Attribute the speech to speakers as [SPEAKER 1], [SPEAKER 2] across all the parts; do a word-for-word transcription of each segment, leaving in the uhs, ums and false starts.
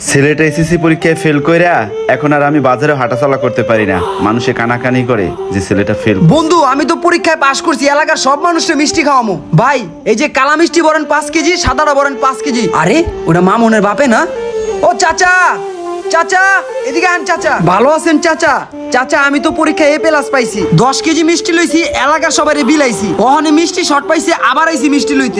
[SPEAKER 1] ছেলেটা এসএসসি পরীক্ষায় ফেল কইরা এখন আর আমি বাজারে হাঁটাচলা করতে পারি না। মানুষে কানাকানি করে যে ছেলেটা ফেল।
[SPEAKER 2] বন্ধু আমি তো পরীক্ষায় পাশ করছি, এলাকার সব মানুষকে মিষ্টি খাওয়ামো। ভাই এই যে কালা মিষ্টি বলেন পাঁচ কেজি, সাদাটা বলেন পাঁচ কেজি। আরে ওটা মামুনের বাপে না? ও চাচা, চাচা এদিকে আন চাচা। ভালো আছেন চাচা? চাচা আমি তো পরীক্ষায় এ প্লাস পাইছি, দশ কেজি মিষ্টি লইছি, এলাকার সবাই বিলাইছি। ওখানে মিষ্টি শর্ট পাইছি, আবার আইছি মিষ্টি লইতে।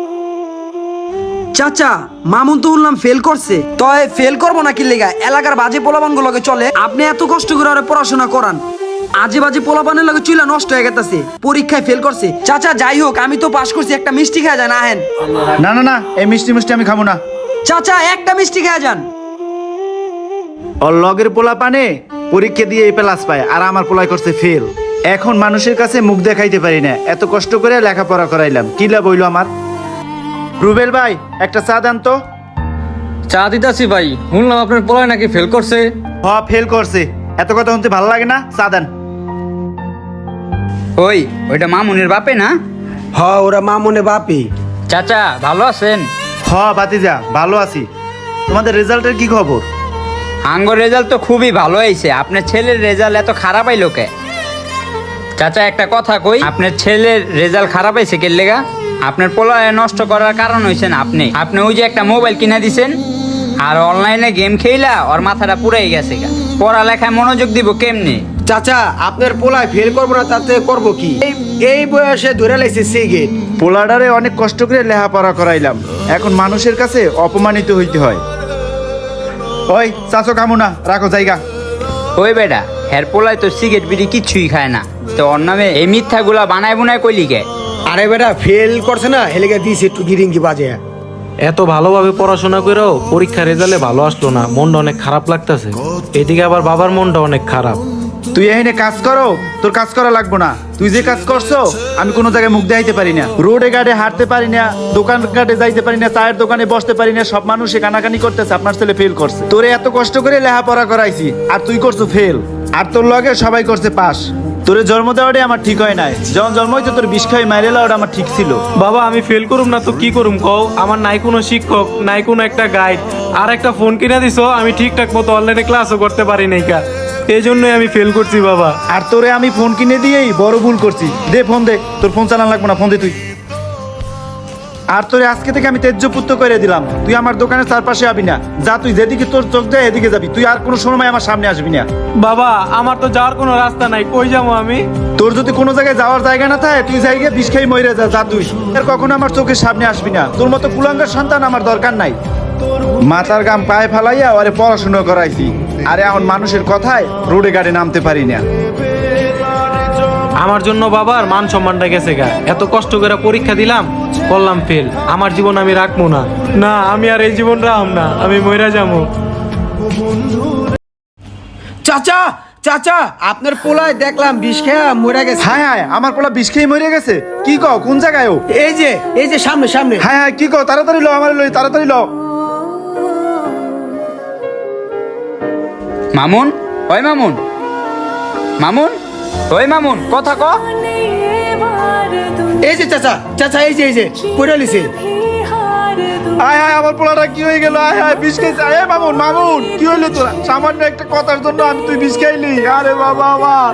[SPEAKER 2] চাচা মামুন তো উঠলাম ফেল করছে, তয় ফেল করবো না কি লেগা? এলাকার বাজে পোলাপান গুলোকে চলে, আপনি এত কষ্ট করে ওরা পড়াশোনা করান, আজে বাজে পোলাপানের লগে চুলা নষ্ট হয়ে গেছে, পরীক্ষায় ফেল করছে। চাচা যাই হোক আমি তো পাশ করছি, একটা মিষ্টি খাওয়া যান। আহেন।
[SPEAKER 1] না না না, এই মিষ্টি মিষ্টি আমি খাবো না।
[SPEAKER 2] চাচা একটা মিষ্টি খাওয়া যান।
[SPEAKER 1] ওর লগের পোলা পানে পরীক্ষা দিয়ে এ প্লাস পায়, আর আমার পোলাই করছে ফেল। এখন মানুষের কাছে মুখ দেখাইতে পারি না, এত কষ্ট করে লেখাপড়া করাইলাম, কি লাভ হইলো আমার? রুবেল ভাই একটা চা দেন তো।
[SPEAKER 3] চা দিতাছি ভাই, শুনলাম আপনার পোলায় নাকি ফেল করছে।
[SPEAKER 1] হ ফেল করছে, এত কথা শুনতে ভালো লাগে না, চা দেন।
[SPEAKER 4] ওই ওইটা মামুনের বাপে না?
[SPEAKER 2] হ ওরা মামুনে বাপি।
[SPEAKER 4] চাচা ভালো আছেন?
[SPEAKER 1] হ ভাতিজা ভালো আছি। তোমাদের রেজাল্টের কি খবর?
[SPEAKER 4] আঙ্গর রেজাল্ট তো খুবই ভালো হয়েছে, আপনার ছেলের রেজাল্ট এত খারাপ আইলো কে? চাচা একটা কথা কই, আপনার ছেলের রেজাল্ট খারাপ হয়েছে কে লেগা? আপনার পোলায় নষ্ট করার কারণ হয়েছেন আপনি। আপনি ওই যে একটা মোবাইল কিনে দিছেন, আর অনলাইনে গেম খেলা ওর মাথাটা পুরাই গেছে গা। পড়ালেখায় মনোযোগ দিব কেমনি?
[SPEAKER 5] চাচা আপনার পোলায় ফেল করবো না তাতে করবো কি? এই- এই বয়সে ধরে লাইছে সিগারেট।
[SPEAKER 1] পোলাডারে অনেক কষ্ট করে লেখাপড়া করাইলাম, এখন মানুষের কাছে অপমানিত হইতে হয়। ওই চাচো কামু না, রাখো জায়গা।
[SPEAKER 4] ওই বেটা হের পোলায় তো সিগারেট বিড়ি কিচ্ছুই খায় না, তো ওর নামে এই মিথ্যাগুলা বানায় বুনায় কইলি কে?
[SPEAKER 5] আরে বেটা ফেল করছে না, হেলেগে দিয়েছে একটু গিরিঙ্গি বাজে।
[SPEAKER 6] এত ভালোভাবে পড়াশোনা করেও পরীক্ষা রেজাল্টে ভালো আসলো না, মনটা অনেক খারাপ লাগতেছে। এদিকে আবার বাবার মনটা অনেক খারাপ।
[SPEAKER 1] তুই এখানে কাজ করো, তোর কাজ করা লাগবো না। তুই যে কাজ করছো আমি কোনো জায়গায় মুখ দেখাইতে পারি না, রোডে ঘাটে হাঁটতে পারি না, দোকান ঘাটে যাইতে পারি না, চায়ের দোকানে বসতে পারি না। সব মানুষে কানাকানি করতেছে আপনার ছেলে ফেল করছে। তোরে এত কষ্ট করে লেখাপড়া করাইছি আর তুই করছো ফেল, আর তোর লগে সবাই করছে পাস। তোরে জন্ম দেওয়াটাই আমার ঠিক হয় নাই, যখন জন্ম হইতো তোর বিষ খাই মাইরে ওটা আমার ঠিক ছিল।
[SPEAKER 6] বাবা আমি ফেল করুম না তো কি করুম কও? আমার নাই কোনো শিক্ষক, নাই কোনো একটা গাইড, আর একটা ফোন কিনে দিছো, আমি ঠিকঠাক মতো অনলাইনে ক্লাসও করতে পারি নাই কা, এই জন্যই আমি ফেল করছি বাবা।
[SPEAKER 1] আর তোরে আমি ফোন কিনে দিয়েই বড় ভুল করছি। দে ফোন দে, তোর ফোন চালান লাগবো না, ফোন দে তুই। আর তোরে আজকে থেকে আমি তেজ্যপুত্র করে দিলাম, তুই আমার দোকানের চারপাশে আবি না। যা তুই যেদিকে তোর চোখ যায় এদিকে যাবি, তুই আর কোনো সময় আমার সামনে আসবি না।
[SPEAKER 6] বাবা আমার তো যাওয়ার কোনো রাস্তা নাই, কই যাবো আমি?
[SPEAKER 1] তোর যদি কোনো জায়গায় যাওয়ার জায়গা না থাকে তুই জায়গায় বিষ খাই মরে যা, যা তুই। আর কখনো আমার চোখের সামনে আসবি না, তোর মতো কুলাঙ্গার সন্তান আমার দরকার নাই। মাথার গাম পায়ে ফালাইয়া ওরে পড়াশোনা করাইছি, আরে এখন মানুষের কথায় রোডে গাড়ি নামতে পারি না।
[SPEAKER 6] আমার জন্য বাবার মান সম্মানটা গেছে গা, এত কষ্ট করে পরীক্ষা দিলাম, করলাম ফেল। আমার জীবন আমি রাখবো না, না আমি আর এই জীবন রাখব না, আমি মইরা যাবো।
[SPEAKER 5] চাচা চাচা আপনার পোলায় দেখলাম বিষ খেয়া মরে গেছে।
[SPEAKER 1] হায় হায়, আমার পোলা বিষ খেয়ে মরে গেছে? কি কও, কোন জায়গায় ও?
[SPEAKER 5] এই যে এই যে সামনে সামনে।
[SPEAKER 1] হায় হায়, কি কও, তাড়াতাড়ি লো, আমার লই, তাড়াতাড়ি লো।
[SPEAKER 4] মামুন, ওই মামুন, মামুন, ওই মামুন, কথা ক।
[SPEAKER 5] এই যে চাচা চাচা এই যে এই যে পড়ে লিছে।
[SPEAKER 1] হায় হায়, আমার পোলাটা কি হয়ে গেল? হায় হায়, বিষ খাইছে। আরে মামুন, মামুন কি হইলো তোরা? সামান্য একটা কথার জন্য আমি তুই বিষ খাইলি? আরে বাবা আমার।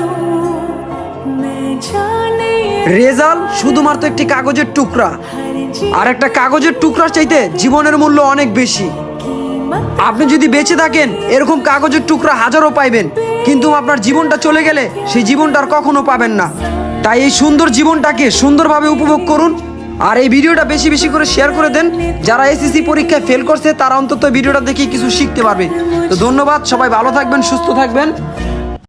[SPEAKER 2] রেজাল্ট শুধুমাত্র একটি কাগজের টুকরা, আর একটা কাগজের টুকরা চাইতে জীবনের মূল্য অনেক বেশি। আপনি যদি বেঁচে থাকেন এরকম কাগজের টুকরা হাজারো পাইবেন, কিন্তু আপনার জীবনটা চলে গেলে সেই জীবনটা আর কখনো পাবেন না। তাই এই সুন্দর জীবনটাকে সুন্দরভাবে উপভোগ করুন, আর এই ভিডিওটা বেশি বেশি করে শেয়ার করে দেন। যারা এসএসসি পরীক্ষায় ফেল করছে তারা অন্তত ভিডিওটা দেখে কিছু শিখতে পারবে। তো ধন্যবাদ, সবাই ভালো থাকবেন, সুস্থ থাকবেন।